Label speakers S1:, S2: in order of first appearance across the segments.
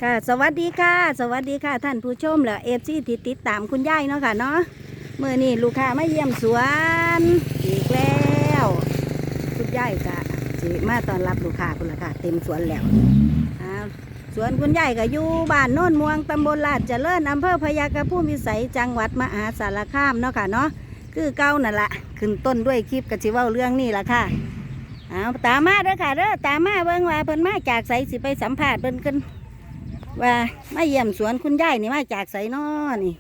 S1: ค่ะสวัสดีค่ะสวัสดีค่ะท่านผู้ชมและFCที่ติดตามคุณยายเนาะค่ะเนาะเมื่อนี้ลูกค้ามาเยี่ยมสวนอีกแล้วคุณยายก็สิมาต้อนรับลูกค้าคุณละค่ะเต็มสวนแล้วสวนคุณยายก็อยู่บ้านโน่นม่วงตำบลลาดเจริญอำเภอพญากระพุ่มวิสัยจังหวัดมหาสารคามเนาะค่ะเนาะคือเก้านั่นละขึ้นต้นด้วยคลิปกะสิเว้าเรื่องนี้ละค่ะตามมาเด้อค่ะเด้อตามมาเบิ่งว่าเพิ่นมาจากไสสิไปสัมภาษณ์เพิ่นกันว่ามาเยี่ยมสวนคุณยายนี่มาจากไสน้อนี่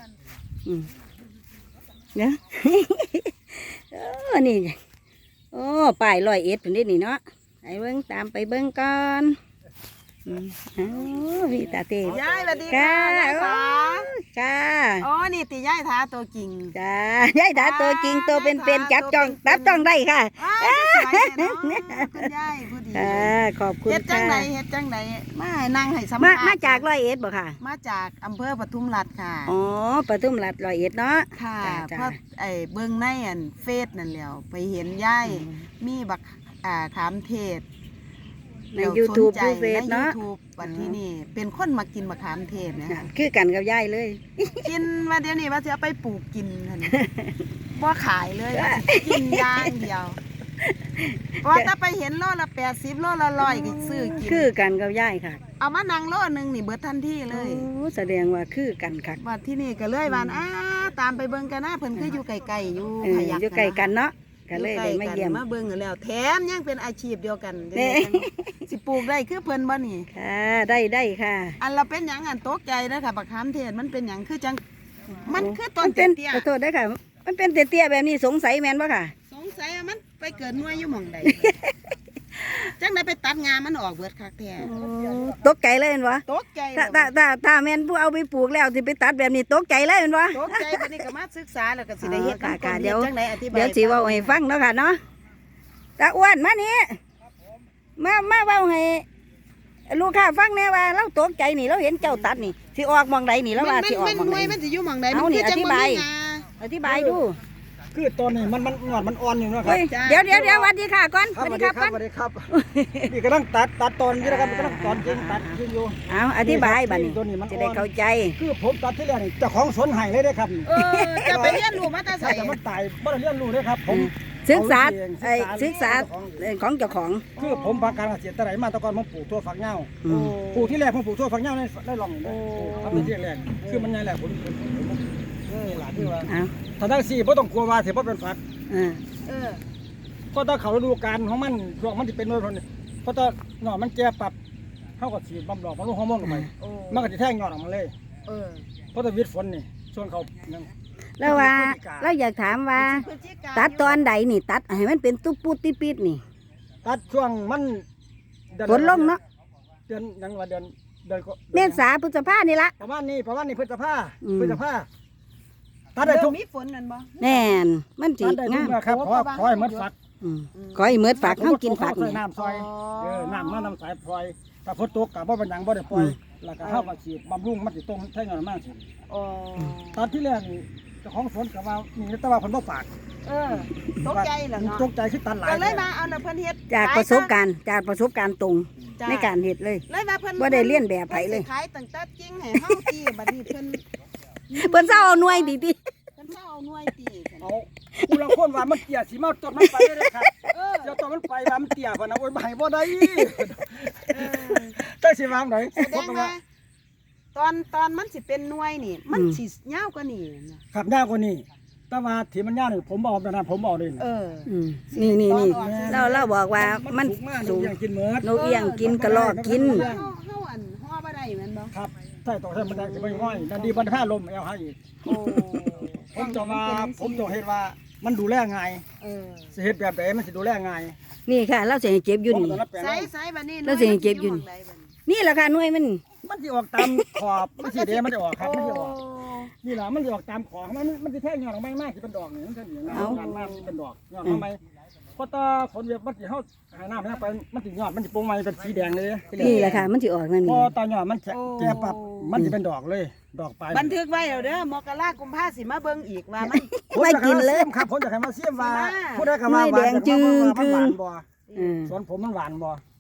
S1: เนี่ยนี่โอ้ป้าย101เพิ่นนี่เนาะไอ้เบิ่งตามไปเบิ่งก่อนพี่ตาเต้
S2: ยายสวัสดีค่ะยายสา
S1: ค่ะ
S2: อ๋อนี่ตียายท้าตัวจริง
S1: จ้ายายท้าตัวจริงตัวเป็นจับจ้องได้ค่ะ
S2: คุณยายพูดดี
S1: ขอบคุณค่ะ
S2: เฮ็ดจังไหนมานั่งให้สัมภาษณ์
S1: มาจาก101บ่ค่ะ
S2: มาจากอำเภอปทุมราชค่ะ
S1: อ๋อปทุมราช101เนาะ
S2: ค่ะเพราะเบิ่งในเฟซนั่นแหล้วไปเห็นยายมีบักขามเทศ
S1: ใน YouTube ดูเฟซเนาะ
S2: วันที่นี่เป็นคนมากินมะขามเทศนะคะ
S1: คือกันกับยายเลย
S2: กินมาเดี๋ยวนี้ว่าจะเอาไปปลูกกินบ่ขายเลยกินอย่างเดียวพอถ้าไปเห็นโลละ80โลละ100ก็ซื้อกิน
S1: คือกันกับยายค่ะ
S2: เอามานั่งโลนึงนี่เบิดทันทีเลย
S1: แสดงว่าคือกันค่ะ
S2: ว่าที่นี่ก็เลยว่าตามไปเบิ่งกันนะเพิ่นคืออยู่ไกลๆอยู่พยัคฆ์
S1: อยู่ไกลกันเนาะก็เลยได้มาเยี่ยม
S2: มาเบิ่งแล้วแถมยังเป็นอาชีพเดียวกันสิปลูกได้คือเพิ่นบ่นี่
S1: ค่ะได้ค่ะ
S2: อันเราเป็นหยังตกใจนะค่ะบักขามเทศมันเป็นหยังคือจังมันคือต้นเตี้ย
S1: ขอโทษด้วยค่ะมันเป็นเตี้ยแบบนี้สงสัยแม่นบ่ค่ะ
S2: สงสัยมันไปเกิดหน่วยอยู่หม่องใดจังได้ไปตัดงามันออกเบิดคักแท้
S1: ตกใจเลยเห็นบ่
S2: ตกใจ
S1: ถ้าแม่นผู้เอาไปปลูกแล้วสิไปตัดแบบนี้ตกใจเลยเห็นบ่
S2: ตกใจบัดนี้ก็มาศึกษาแล้วก็สิได้เฮ็ด
S1: ค่ะเดี๋ยว
S2: เดี๋ยว
S1: สิเว้าให้ฟังเนาะค่ะเนาะตาอ้วนมานี่มาเว้าให้ลูกค้าฟังแน่ว่าเราตกใจนี่เราเห็นเจ้าตัดนี่สิออกมองใดนี่แล้วว่าสิออกมองใด
S2: มันสิอยู่มองใด
S1: มันคือจังบ่มีอธิบายดู
S3: คือตอนนี้มันงอดมันอ่อนอยู่นะครับ
S1: เดี๋ยวสวัสดีค่ะก่อน
S3: สวัสดีครับสวัสดีครับนี่กำลังตัดตอนอยู่นะครับกำลังตอนจริงตัดจริงอยู่
S1: อธิบายบัดนี้จะได้เข้าใจ
S3: คือผมตัดที่แรกนี่เจ้าของสวนไห้เลยนะครับ
S2: จะไปเรียนรู้มาแต่ใส่
S3: แต่มันตายบ่ได้เรียนรู้เลยครับผม
S1: ศึกษาของเจ้าของ
S3: คือผมภาคการเกษตรแต่ไหนมาตะกอนผมปลูกทั่วฝักเหง้าปลูกที่แรกผมปลูกทั่วฝักเหง้าได้ลองทำในที่แรกคือมันใหญ่แหละผมหลานที่ว่าถ้าได้สี่ไม่ต้องกลัวว่าเสียเพราะเป็นฝักก็ต้องเขาฤดูกาลของมันช่วงมันจะเป็นโดยคนเพราะตอนหน่อมันแก่ปรับเท่ากับสีบำดอกมันลูกฮอร์โมนลงไปมันก็จะแท่งหน่อออกมาเลยเพราะตอนวิทย์ฝนนี่ช่วงเขา
S1: แล้วว่าเราอยากถามว่าตัดตอนใดนี่ตัดให้มันเป็นตุ๊บปุ๊ดติปิดนี่
S3: ตัดช่วงมัน
S1: ฝนลงเนาะ
S3: เดือนยังว่าเดือน
S1: เมษาพฤษภานี่ละ
S3: ประมาณนี้พฤษภาตัดได้ทุก
S2: มีฝนนั่นบ่
S1: แน่นมันจี
S3: งามครับขอให้เมืดฝัก
S1: ขอให้เมืดฝักเขากินฝัก
S3: นี่น้ำซอยน้ำสายพลอยถ้าฝนตกกับบ่เป็นหยังบ่ได้ปล่อยแล้วก็เข้ามาฉีดบำรุงมันจะตรงใช้งานมากสิตอนที่แรกเจ้าของสวนกับว่ามีแต่ว่าเพิ่นบ่ฝาก
S2: ตกใจเหรอเนาะ
S3: ตกใจคือตัดหลาย
S2: ก็เลยมาเอาเพิ่นเฮ็ด
S1: จากประสบการณ์ตรงในการเฮ็ดเลยบ่ได้เลียนแบบไผเลย
S2: ขายตั้งแต่จริงให้เฮาตีบัดนี้เพิ่น
S1: เศร้าเอาหน่วยดิ
S2: เพิ่นเศร้าเอาหน่วยตี
S3: เอาผู้ละคนว่ามันเตี้ยสิมาต้นมันไปเลยครับเจ้าต้นมันไปว่ามันเตี้ยพะนะโอ้ยบ่ให้บ่ได้จังสิวางไหน
S2: แสดงว่าตอนมันสิเป็นหน่วยนี่มันสิยาวกว่านี้
S3: ครับยาวกว่านี้แต่ว่าที่มันยาวนี่ผมบอกนะผมบอกเลย
S1: นี่เราบอกว่ามัน
S3: สูงกินเหมือ
S1: นกเอี้ยงกินกระรอกกิน
S2: เฮาห่อบ่ได้แม่นบ่
S3: ครับใช่ต้องใช้มันได้สิบ่ง่อยนั่นดีมันผ้าลมเอาให้อีกผมจะเห็นว่ามันดูแลง่ายสิเฮ็ดแบบไหนมันสิดูแลง่าย
S1: นี่ค่ะเราสิให้เก็บอยู่นี่
S2: ใส่บัดนี้
S1: เราสิให้เก็บอยู่นี่แหละค่ะหน่วยมัน
S3: สิออกตามขอบมันสิเดมันจะออกครับมันจะออกนี่แหละมันจะออกตามขอบมันจะแท่งยอดออกมากที่เป็นดอกนี่มันจะอย่างนั้นมากที่เป็นดอกยอดทำไมเพราะตาฝนเวียบมันจะเข้าหายน้ำไปมันจะยอดมันจะโป่งมาเป็นสีแดงเลย
S1: นี่แหละค่ะมันจะออกนั่นนี่
S3: พอตายอดมันแก่ปรับมันจะเป็นดอกเลยดอกไป
S2: บันทึกไว้เด้อมกราคมพาสิมาเบิ่งอีกว่ามัน
S1: ไม่กินเลย
S3: ครับผมอยากให้มาเสี่ยมว่าพูดได้คำว่า
S1: แดงจืด
S3: หวานบ่สวนผมมันหวานบ่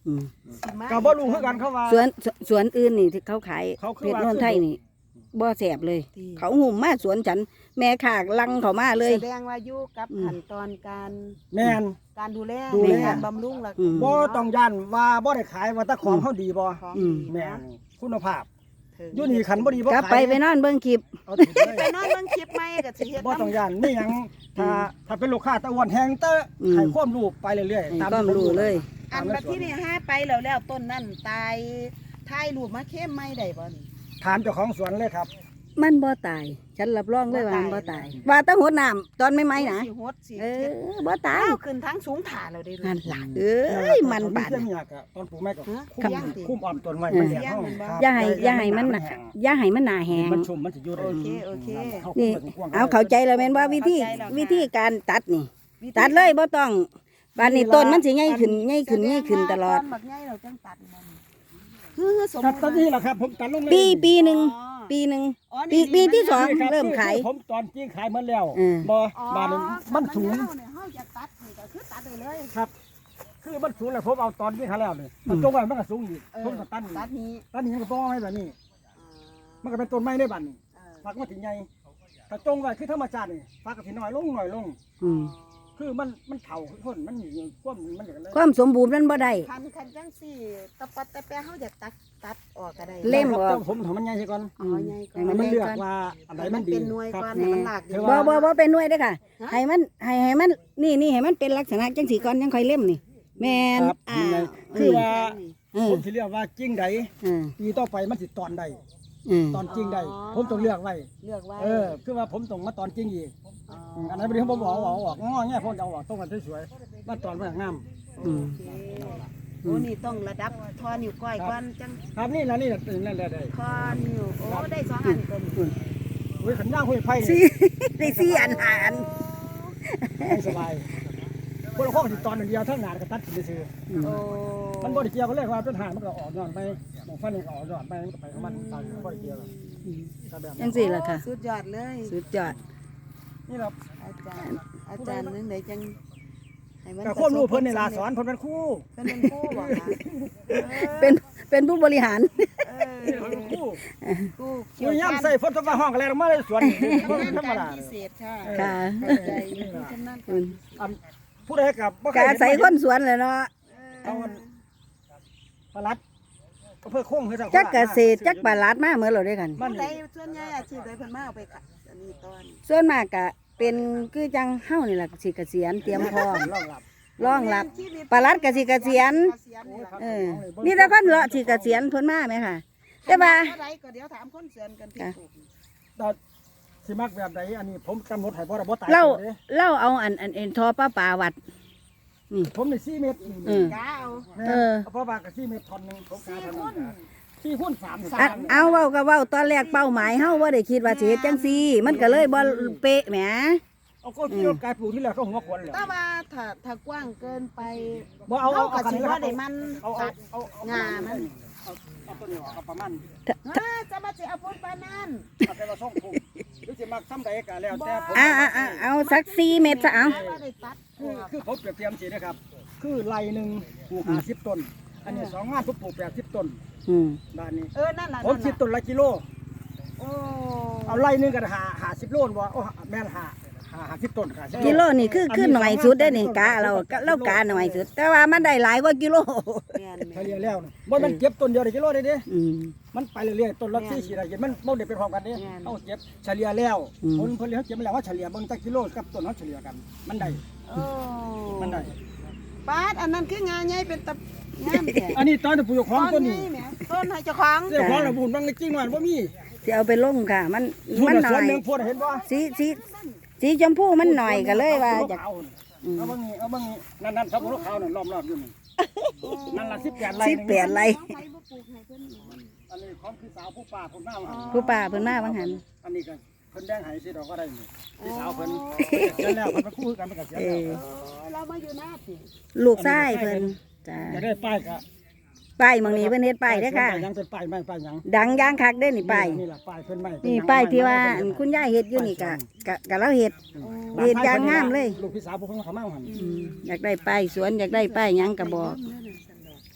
S1: อืม
S2: สิมา
S3: ก็บ่รู้คือกันเขาว่า
S1: สวนอื่นนี่ที่เขาขาย
S3: เขาคือ
S1: เพชร
S3: ว่า
S1: โนนไทยนี่บ่แสบเลย
S2: ที่
S1: เขาหุ่มมาสวนฉัน แม่ขากลังเขามาเลย
S2: แสดงว่าอยู่กับขั้นตอนการ
S3: แม่น
S2: การดูแล
S3: ดูแล
S2: การบำรุงแล้ว
S1: อืม
S3: บ่ต้องย่านว่าบ่ได้ขายว่าแต่ของเขาดีบ่
S2: ของ
S1: อืม
S2: ดี
S3: แม่
S2: นะ
S3: นคุณภาพ
S2: ถึง
S3: อยู่นี่ขันบ่ดีบ่
S1: กลับไป
S3: ขาย
S1: ไปนอนเบิ่งคลิป
S3: เอาถึงเลย
S2: ไปนอนเบิ่งคลิปใหม่ก็สิเฮ็ด
S3: บ่ต้อง
S2: น้ำ
S3: ย่านนี่หยังถ้าเป็นลูกค้าตะอ้วนแฮงเตอ
S1: อืม
S3: ให้ความรู้ไปเรื่อย
S1: ให้
S3: ๆตาม
S1: ความรู้เลย
S2: อันบัดที่นี่ห้าไปแล้วต้นนั่นตายถ่ายรูปมาเข้มไม่ได้บ่นี่
S3: ถามเจ้าของสวนเลยครับ
S1: มันบ่ตาย ฉันรับรองเลยว่ามันบ่ตาย ว่าแต้องหดน้ำตอนไม่ไหมนะ
S2: สิฮดสิ
S1: เอ
S2: เฮ็ด
S1: อบ่ตาย
S2: เอาขึ้นทั้งสูงถ่าแล้วได้
S1: นั่นล่ะเอ้ยมันบาด
S3: เรื่องยากอะตอนปลูกแม่ก็
S2: ฮะ
S3: คุ้ม
S2: ย่างติ
S3: คุ้มอ้อมต้นไม้
S1: เออ
S3: มันแดดห้อง
S1: อย่าให้มันน่ะอย่าให้มันหนาแหง
S3: มันชุ่มมันสิอยู่ได้
S2: โอเคโอเค
S1: นี่เอาเข้าใจแล้วแม่นว่าวิธี
S2: เข้าใจแล้วค่ะ
S1: วิธีการตัดนี่ ตัดเลยบ่ต้องบานนี้ต้นมันสิใหญ่ขึ้นใหญ่ขึ้นใหญ่ขึ้นตลอด
S2: แสงว่าตนบักใหญ่เราจังตัดมันคือสม
S3: ครับตอนนี้แหละครับผมตัดลงเลย
S1: ปีหนึ่งปีหนึ่ง
S2: อ๋อ
S1: ปี
S2: นี่
S1: ที่สอง
S3: นี่คบ
S1: เริ่มขาย
S3: คือผมตอนจริงขายหมดแล้ว
S1: เออ
S3: บ่
S2: อ๋อ
S3: บ้านนี้มันสูง
S2: เฮาเนี่ยเฮาอยากตัดนี่ก็คือตัดได้เลย
S3: ครับ คือมันสูงแล้วผมเอาตอนที่ขายแล้วนี่มันจงไว้มันก็สูงอีกผมก็ตัด
S2: ตัดนี้
S3: ตัดนี่มันก็ต้องไว้แบบนี้ มันก็เป็นต้นไม้ได้บัดนี้ฝักมันถึงใหญ่ถ้าจงไว้คือธรรมชาตินี่ฝักก็สิน้อยลงน้อยลง
S1: อืม
S3: คือมันเฒ่าคนมันมีความมันอย่างนั้น
S1: ความสมบูรณ์มันบ่ได้
S2: คันจังสี่ตะปัดตะแปะเฮาอยากตัดออกก็ได้
S1: เล่ม
S3: ครับผมทำมันใหญ่ใช่ก่อน
S2: อ๋อใหญ่ก่อ
S1: ให้
S2: น
S1: มัน
S3: มัน
S1: เล็
S3: เลื
S1: ก
S3: อก
S1: ก่อน
S3: ว่าอันไหน
S2: ให้
S3: มั
S2: มัน น
S3: ดี
S2: เป็นหน่วย
S3: ครับ
S2: ก่อนให้มันหลากดี
S3: ถือ
S1: บ่
S3: ว่า
S1: บ่เป็นหน่วยเด้อค่ะ
S2: ฮะ
S1: ให้มันให้มันนี่ให้มันเป็นลักษณะจังสีก่อนยังค่อยเล่มนี่ แม่น
S3: ครับ
S2: อ้าว
S3: คือว่า
S1: เออ
S3: ผมสิเรียกว่าจริงใด
S1: เออ
S3: ปีต่อไปมันสิตอนใด
S1: เออ
S3: ตอนจริงใดผมต้องเลือกไว้
S2: เลือกไว้
S3: คือว่าผมต้องมาตอนจริงอีก
S2: อ๋อ
S3: อันนั้นไม่ได้ผมบอกเอาออกง้อแง่ผมจะเอาออกต้องกันสวยๆมาตอนมาอย่างงาม
S1: อืม
S2: โอเคโอ้นี่ต้องระดับทอนิ้วก้อยก่อนจัง
S3: ครับนี่ละนี่ละนั่นแหละได้
S2: ทอนิ้วโอ้ได้สองอันตัวนี้
S3: เว้ยขันย่างห้วยไผ่
S1: สี่ได้สี่อันหาอัน
S3: ไม่สบายคนละข้อติดตอนเดียวเท่าหนาก็ตัดสินซื้อ
S2: โอ้
S3: มันบ่ได้เกี่ยวกันเลยว่าเป็นหางมันก็ออกย้อนไปหมองฟันนี่ก็ออกย้อนไปมันก็ไปของมันตามบ่ได้เกี่ยวกันก็แบบ
S1: จังสี่ล่ะค่ะ
S2: สุดยอดเลย
S1: สุดยอด
S3: นี่เรา
S2: อาจารย์นึงไหนจังให้มัน
S3: ก็ควบรู้เพิ่นในลาสอนเพิ่นเป็นครู
S2: เพิ่นเป็นครูบอกค่ะ
S1: เป็นผู้บริหาร
S2: เอ
S3: นี่เพิ่นเป็นครู
S2: ครู
S3: ครูย่ำใส่ฝนตกมาห้องกันแล้วมาเลยสวนบ่ธรรมดา
S2: พิเศษค่ะ
S1: ค่ะ
S2: เข้าใจผู้ชำนาญ
S1: อืม
S3: อันผู้ใดกับบ่เค
S1: กาย
S3: เห็น
S1: ใส่คนสวนเลยเนาะ
S3: เอาอันปลัดเพื่อโค้งคือ
S1: จักเกษตรจักปลาลาดมาเหมือนเราด้วยกัน
S2: ผู้ใดส่วนใหญ่อาชีพใดเพิ่นมาเอาไปขายอันนี้ตอน
S1: ส่วนมากก็เป็นคือจังเฮานี่ล่ะสิเกษียณเตรียมพร้อม
S3: รองรับ
S1: รองรับปลาลัดก็สิเกษียณ เออมีแต่คนเลาะสิเกษียณเพิ่นมาไหมค่ะ แต่ว่า
S2: เท่าไรก็เดี๋ยวถามคนเสือนกันที่ปลูก
S3: แต่สิมักแบบใดอันนี้ผมกำหนดให้บ่ได้บ่ตาย
S1: เรา
S3: เด้
S1: เราเอาอันทอป้าป่าวัด
S3: ผมนี่4เมตร
S1: เออ
S2: กาเอา
S1: เออ
S3: เพราะว่าก็4เมตรท่อนหนึงผมกา
S2: สี่
S3: เท่า
S2: ค
S3: นั้น
S2: น
S3: 4คูณ3
S1: อันเอาเว้าก็เว้าตอนแรกเป้าหมายเฮาบ่ได้คิดว่าสิเฮ็ดจังซี่ มันก็เลยบ่เป๊ะแหม
S3: เอาก็ที่รถกายปลูกที่แรกก็หัวขวนแล้ว
S2: แต่ว่าถ้ากว้างเกินไป
S3: บ่เอา
S2: ก็สิว่าได้มัน
S3: เอา
S2: ตัด
S3: งามันเอาต้นนี้ออกเอาประมาณ
S2: จะมาสิเอาพุ่นปานนั้น
S3: เอาแต่ว่า2พุ่มหรือสิมักซ้ำใดก็แล้วแต่ผม
S1: เอาสัก4 เม็ดซะเอา
S2: ว่าได้ตัด
S3: คือผมเปรียบเทียบสินะครับ คือไร่หนึงปลูก50ต้น อันนี้2งานผมปลูก80ต้น
S1: อืม
S3: ด้านนี้
S2: นั่นน่ะ
S3: ผมคิดต้นละกิโล
S2: โอ้
S3: เอาไร่หนึงก็50โลนบ่โอ้แม่น50ต้นค่ะ
S1: กิโลนี่คือหน่อยสุดได้นี่กะเรากะหน่อยสุด แต่ว่ามันได้หลายกว่ากิโล
S2: แม่น
S3: เฉลี่ยแล้วนะบ่มันเก็บต้นเดียวได้กิโลได้เด้
S1: อืม
S3: มันไปเรื่อยๆต้นละ4 4ได้เห็นมันบ่ได้เป็นพร้อมกันเด้เฮาเก็บเฉลี่ยแล้ว
S1: อืม
S3: ผลผลิตเฮาเก็บมาแล้วว่าเฉลี่ยเบิ่งจักกิโลกับต้นเฮาเฉลี่ยกัน มันได้
S2: โอ้
S3: มันได้
S2: ปาดอันนั้นคืองานใหญ่เป็นตะงามแท้
S3: อันนี้ตอนที่ปลูกของต้นนี้
S2: แหมต้นให้เจ้าของ
S3: เจ้าของระบุนบางจริงมันบ่มี
S1: สิเอาไปลงค่ะ มัน
S3: พูด
S1: มันห
S3: ส่
S1: น่
S3: ว
S1: อน ย
S3: หนึงพูดเห็นบ่
S1: สีชมพูมันหน่อยก็เลยว่าจะ
S3: เอาบางนี้เอาบางนี้นั่นๆครับลูกขาวนั่นล้อมๆอยู่นี่นั่นล่ะ18ไร่
S1: 18 ไร่
S2: ใครบ่ปลูกให้เพิ่นนี่
S3: อันนี้ของพี่สาวผู้ป้าผมน้ามา
S1: ผู้ป่าเพิ่นมาบางหัน
S3: อันนี้ก็เพิ่นแดงให้สิดอกก็ได้นี่พี่สาวเพิ่นเสียแล้วเพิ่นมาคู่กันมันก็เสียแล้ว
S2: เรามาอยู่หน้าสิ
S1: ลูกชายเพิ่นจ้า
S3: จะได้ป้ายก็
S1: ป้ายหมองนี้เพิ่นเฮ็ดป้ายเด้อค่ะ
S3: ยังเป็นป้ายไม้ป้ายหยัง
S1: ดังย่างคักเด้อนี่ป้าย
S3: นี่ล่ะป้ายเพิ่นไม้
S1: นี่ป้ายที่ว่าอันคุณยายเฮ็ดอยู่นี่กะเราเฮ็ด เฮ็ดอย่างงามเลย
S3: ลูกพี่สาวผมเพิ่นเขามาหั่น
S1: อยากได้ป้ายสวนอยากได้ป้ายหยังก็บอก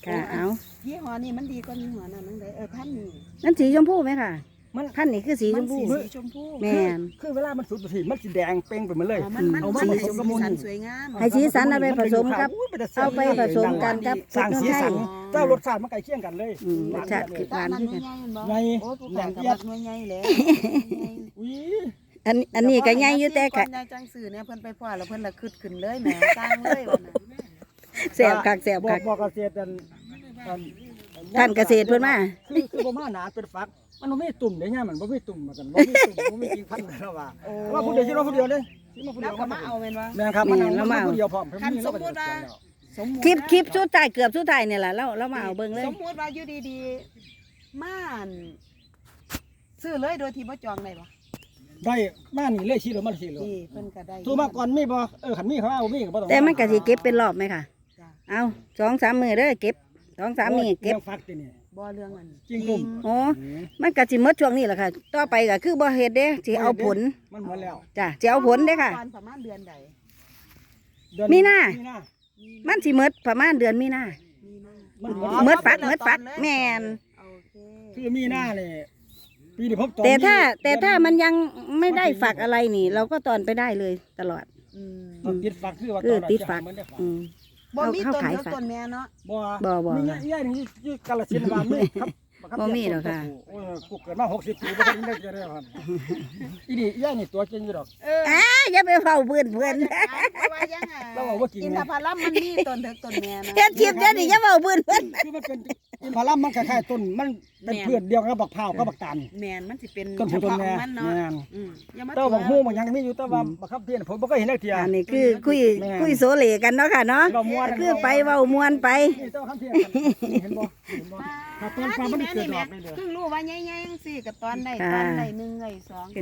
S1: ค่ะเอา
S2: ยี่ห้อนี้มันดีกว่ายี่ห้อนั้นนั่นเลยพันนี่
S1: นั่นสีชมพูไหมค่ะ
S3: มัน
S1: พันธุ์นี่คือสีชมพู
S2: สีชมพู
S1: แม่น
S3: คือเวลามันสุดสีมันสีแดงเป่งไปหมดเลย
S2: มัน
S3: เอามา
S2: สี
S3: ผสมกับมูล
S2: สันสวยงาม
S1: ให้สีสันเอาไปผสมกับ เอาไปผสมกันกับ
S3: สร้างสีสัน
S2: อ๋อ
S3: เจ้ารสชาติมันใกล้เคียงกันเลย
S1: รสชาติคือ
S2: ตา
S1: หวาน
S2: มัน
S1: คือ
S2: น้
S1: กัน
S2: อยใหญ่บ่
S3: ใหญ่
S2: โอ้ผู้ขากับน้อยใหญ่แล้ว
S3: อุ้ย
S1: อันนี้ก็ใหญ่อยู่แต่
S2: ก่
S1: ค่ะ
S2: อนยายจังสื่อเนี่ยเพิ่นไปพ่อแล้วเพิ่นละคึดขึ้นเลยแหมสร้างเลยวันนั้น
S1: แซ่บคักแซ่บคัก
S3: บอกเกษตร
S1: ท่านเกษตรเพิ่นมา
S3: คือบ่มาหนาเป็นฟักมันบ่มีตุ่มเด้ย่ามันบ่มีตุ่มมากันบ่มีตุ่มบ่มีกิ่งพันธุ์แล้วว่าว่าผู้เดียวสิว่าผู้เดียวเด้สิมาผู้
S2: แล้
S3: เดียว ว
S2: ก็มาเอาแม่นว่า
S3: แม่นครับมันเอาผู้เดียวพร้อม
S2: คันสมมุติว่าสมมุติ
S1: คลิปสุดท้ายเกือบสุดท้ายเนี่ยแหละเรามาเอาเบิ่งเลย
S2: สมมุติว่าอยู่ดีๆม่านซื้อเลยโดยที่บ่จองได้บ่
S3: ได้มานี่เลยสิเลยมาสิเลย
S2: นี่เพิ่นก็ได้
S3: ตัวมาก่อนมีบ่คันมีเขาเอามีก็บ่ต้อง
S1: แต่มันก็สิเก็บเป็นรอบไหมค่ะ
S2: จ้ะ
S1: เอา2-3 มื้อเด้อเก็บ2-3 มื้อเก็บ
S3: ฟักตินี่
S2: บ่เรื่องอัน
S3: จริงกลุ่ม
S1: โอ้มันก็สิหมดช่วงนี้แหละค่ะ ต่อไปก็คือบ่เฮ็ดเด้สิเอาผล
S3: มันหมดแล้ว
S1: จ้ะสิเอาผลเด้อค่ะ
S2: ตอนประมาณเดือนใด
S1: มีนา มันสิหมดประมาณเดือนมีนา
S3: มัน
S1: หมดฟักแม่น
S2: โอเค
S3: คือมีหน้านี่ปีนี้ผมตอน
S1: แต่ถ้ามันยังไม่ได้ฝักอะไรนี่ เราก็ตอนไปได้เลยตลอด
S2: อืม
S3: ตอนติดฝักคือว่า
S1: คือติดฝัก
S3: เหมือนได้ฝัก
S1: อืม
S2: บ่มี
S1: เข้า
S2: ต้น
S1: ขาย
S2: เดียว
S1: ฝัก
S2: ต้นแม่เนาะ
S3: บ่
S1: บ่
S3: มีย่านี่กาฬสินธุ์บ้านนี่ครับ
S1: บ่มีหรอกค่ะ
S3: โอ้ยกูเกิดมา60ปีบ่เคยได้เจอเลยครับอีนี่ย่านี่ตัวจริงอยู่ดอก
S1: อย่าไปเฝ้าเพื่อน
S2: เพราะว่ายังไง
S3: เราบอกว่ากิน
S2: อินทผลัมมันมีต้นเถิกต้นแม่นะ
S1: เฮ็ดคลิปเดี๋ยวนี้อย่าเฝ้าเพื่อน
S3: คือมันเป็นอินทผลัมมันคล้ายๆต้นมันเป็นเพื่อนเดียวกับบักพร้าวกับบักตาล
S2: แม่นมันสิเป็น
S3: ต้น
S2: เฉ
S3: ผู้ต้น
S2: พาะข
S3: แม่
S2: องมันเนาะ
S3: แม่น
S2: อย่ามา
S3: แต่ว่าบักฮู้มันยังมีอยู่แต่ว่าบักครับเพี้ยนผมบ่เคยเห็นเลยเทีย
S1: อันนี้คือคุยโซเลกันเนาะค่ะเนาะ
S3: เว้าม่วน
S1: คือไปเว้ามวนไป
S3: นี่แต่ว่าครับเพี้ยนเห็นบ่ถ้าต้นฟ้ามันเกิดดอกได้เลย
S2: เพิ่งรู้ว่าใหญ่ๆจังซี่ก็ตอนได้ตอนได้1ได้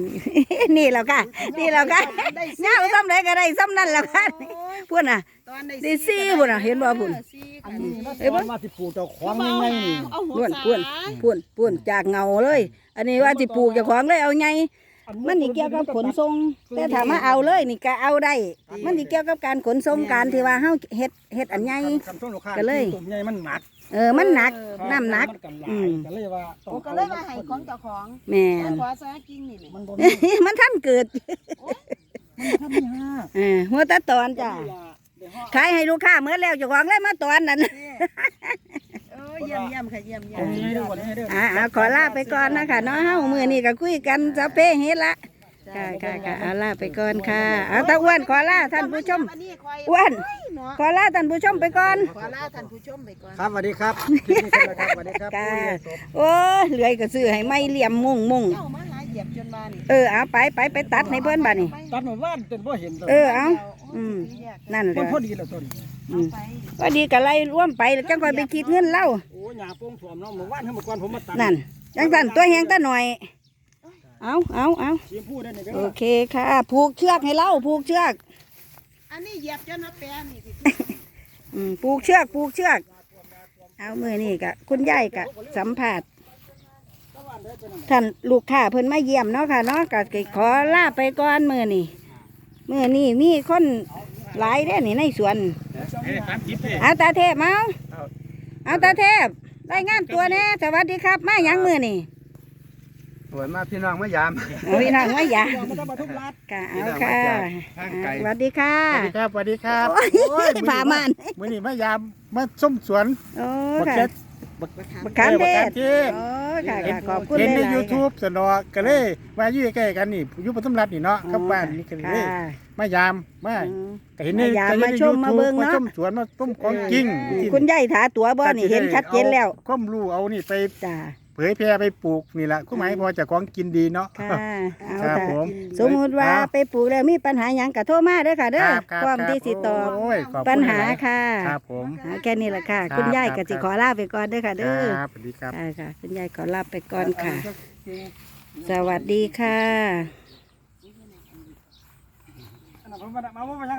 S2: 2
S1: นี่แล้วค่ะนี่แล้วค่ะเงาซ้ำไหนก็ได้ซ้ำนั่นแหล้วค่ะพูดน่ะ
S2: ตอนได้
S1: ได้สี่พุ่นน่ะเห็นบ่พุ่น
S3: อันนี้มาสิปลูกเจ้าของยังไงนี่
S2: เอาหั
S1: พู
S2: วน สา
S1: พูนจากเงาเลย อันนี้ว่าสิปลูกเจ้าของเลยเอาไงมันนี่เกี่ยวกับขนส่งแต่ถามว่าเอาเลยนี่ก็เอาได้ มันนี่เกี่ยวกับการขนส่งการที่ว่าเฮาเฮ็ดอันใหญ่ ก็เลย
S3: ตุ่มใหญ่มันหนัก
S1: มันหนักน้ำหนัก
S3: ก็เลยว่า
S2: โอ้ก็เลยมาให้ของเจ้าของ
S1: แม่
S2: ขอน ขอซะกิ่งนี่แหละ
S3: มันบ่
S1: มันท่านเกิด
S3: มันทำยาก
S1: หัวตาตอนจ้ะขายให้ลูกค้าเมื่อแล้วเจ้าของเลยมาตอนนั้น
S2: เยี่ยมค่ะเยี่ยม
S3: เอาให้ดูก่อนให้ดู
S1: ขอลาไปก่อนนะคะเนาะเฮามื้อนี้ก็คุยกันจะเป้เฮ็ดละค่ะเอาลาไปก่อนค่ะเอาตาอ้วนขอลาท่านผู้ชมอ้วนขอลาท่านผู้ชมไปก่อน
S2: ขอลาท่านผู้ชมไปก่อน
S3: ครับสวัสดีครับคลิปนี้เสร็จแล้วครับสวัสดีครับ
S1: ค่ะโอ้เหลือยก็ซื้อให้ไม่เหลี่ยมมุ่ง
S2: เจ้ามาหาเหยียบจนมานี่
S1: เอาไปตัดให้เพิ่นบัดนี้
S3: ตัดหมู่บ้านจนบ่เห็นต้น
S1: เอานั่นแห
S3: มัน
S1: ละ
S3: พอดีแล้วต้น
S2: ไป
S1: ก็ดีก็ไล่ร่วมไปแล้วจังค่อยไปคิดเงินเล่า
S3: โอ้หญ้าโป่งถ่วมเนาะหมู่บ้านเฮาเมื่อก่อนผมมาตัด
S1: นั่นจังซั่นตัวแหงตาหน่อยเอา
S3: สีพูดได้นี่เด้
S1: โอ
S3: อ
S1: เคค่ะผูกเชือกให้เล่าผูกเชือก
S2: อันนี้เหยียบจนมาแปรนี่สิ
S1: ผูกเชือกเอามือนี่กะคุณยายกะสัมผัสท่านลูกค้าเพิ่นมาเยี่ยมเนาะค่ะเนาะกะขอลาไปก่อนมือนี่มีคนหลายเด้อนี่ในสวนเอาตาเทพเอาตาเทพรายงานตัวแน่สวัสดีครับมาหยังมือนี่
S4: สวยมากพี่น้องมายาม
S1: เอาพี่น้องมาหยัง
S3: มันต้องมาทุกรัด
S1: ค่ะเอาค่ะสวัสดีค่ะ
S4: สวัสดีครับสวัสดีครับ
S1: โอ้ยผ่ามัน
S4: มื้อนี้มายามมาส้มสวน
S1: โอ้
S4: บัก
S1: ค่ะ
S4: เก็ต
S1: บักขามเทศ
S4: เทศ
S1: โอ้ค่ะขอบคุณ
S4: เห็นใน
S1: หลายๆ
S4: YouTube สนอก็เลยมาอยู่ใกล้ๆกันนี่อยู่ปทุมรัฐนี่เนาะกับบ้านนี่ก็เลยมายามมาก็เห็นใน
S1: มายาม
S4: ก็เห็นใน
S1: มาชมมาเบิ่งเนาะ
S4: มาชมสวนมาต้มของจริง
S1: คุณยายถาตัวบ่นี่เห็นชัดเจนแล้ว
S4: ความรู้เอานี่ไป
S1: จ้า
S4: เผยแพร่ไปปลูกนี่แหละก็หมายพอจะของกินดีเนาะ
S1: ค่ะเอา
S4: ครับ
S1: ค่ะ
S4: ผม
S1: สมมุติว่าไปปลูกแล้วมีปัญหาหยังก็โทรมาเด้อค่ะเด้อ
S4: ครับ
S1: พร้อมที่สิตอบ
S4: โอ้ยขอบคุณ
S1: ปัญหาค่ะ
S4: ครับผม
S1: แค่นี้แหละค่ะ
S4: ครับ
S1: คุณยาย
S4: ครั
S1: ก็
S4: บ
S1: สิขอลาไปก่อนเด้อค่ะเด้อ
S4: ครับสวัสดีครับ
S1: ค่ะคุณยายขอลาไปก่อนค่ะ สวัสดีค่ะ
S3: อันนั้นผมมา